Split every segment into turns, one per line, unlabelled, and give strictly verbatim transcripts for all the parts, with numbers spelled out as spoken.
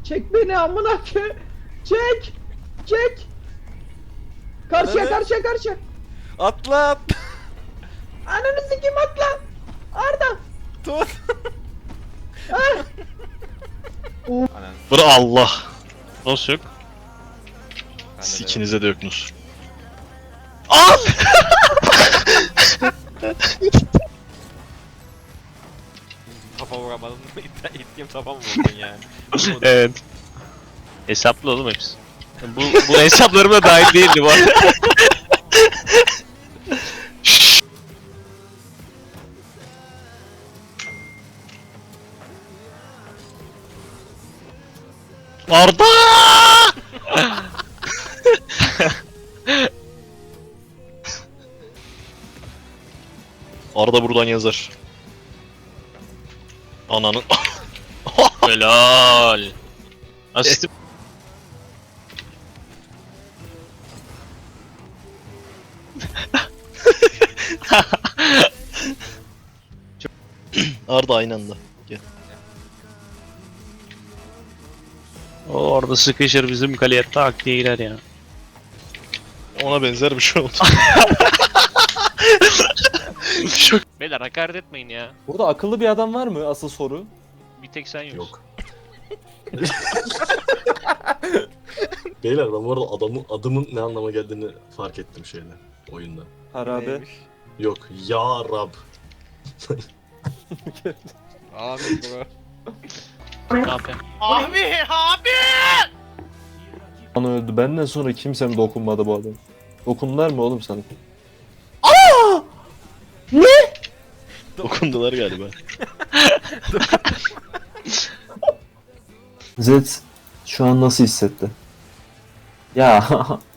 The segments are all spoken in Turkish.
Çek beni amına koyayım. Çek. Çek. Karşıya
Ananı-
karşıya karşıya.
Atla at.
Ananı sikeyim atla. Arda.
Tut.
Ah.
Anan.
Bura Allah. Nasıl yok?
Bende
Siz
de yok.
ikinize de yoksunuz. Al!
Kafa vuramadın mı? İttiğim kafa mı vurdun yani?
Evet. Hesaplı oğlum hepsi. Bu, bu hesaplarıma dahil değildi bu arada. Arda! Arda buradan yazar. Ananın. Helal. Asistim. Arda aynı anda. Gel.
O orada sıkışır bizim kaleye tak diye girer ya.
Ona benzer bir şey oldu. Şok.
Beyler hakaret etmeyin ya.
Burada akıllı bir adam var mı? Asıl soru.
Bir tek sen yoksun.
Yok. Beyler ben bu arada adamın, adımın ne anlama geldiğini fark ettim şeyde, oyunda.
Harabe.
Neymiş?
Yok, ya Rab.
Abi bro.
Ne yapayım?
Ana öldü. Benden sonra kimse mi dokunmadı bu adam? Dokundular mı oğlum sana?
Dokundular galiba.
Zed şu an nasıl hissetti? Ya.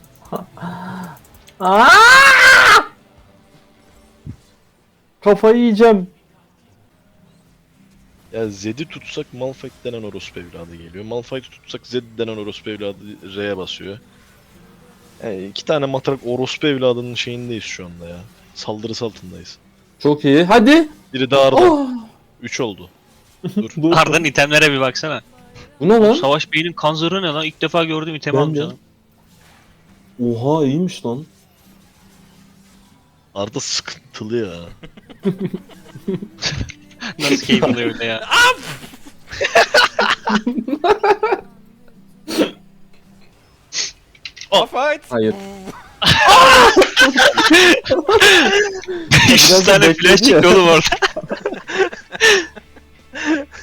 Kafayı yiyeceğim.
Ya Zed'i tutsak Malphite denen orospu evladı geliyor. Malphite'i tutsak Zed denen orospu evladı R'ye basıyor. Yani iki tane matrak orospu evladının şeyindeyiz şu anda ya. Saldırısı altındayız.
Çok iyi. Hadi.
Biri de Arda.
Oh.
Üç oldu.
Bu,
Arda'nın itemlere bir baksana.
bu ne lan?
Savaş Bey'in kanzırı ne lan? İlk defa gördüğüm item
Ben
almış
de.
adam.
Oha iyiymiş lan.
Arda sıkıntılı ya.
Nasıl keyif alıyor öyle ya.
Fight.
Hayır.
beş yüz tane
bekledi
flash
ya.
çıktı oğlum orada.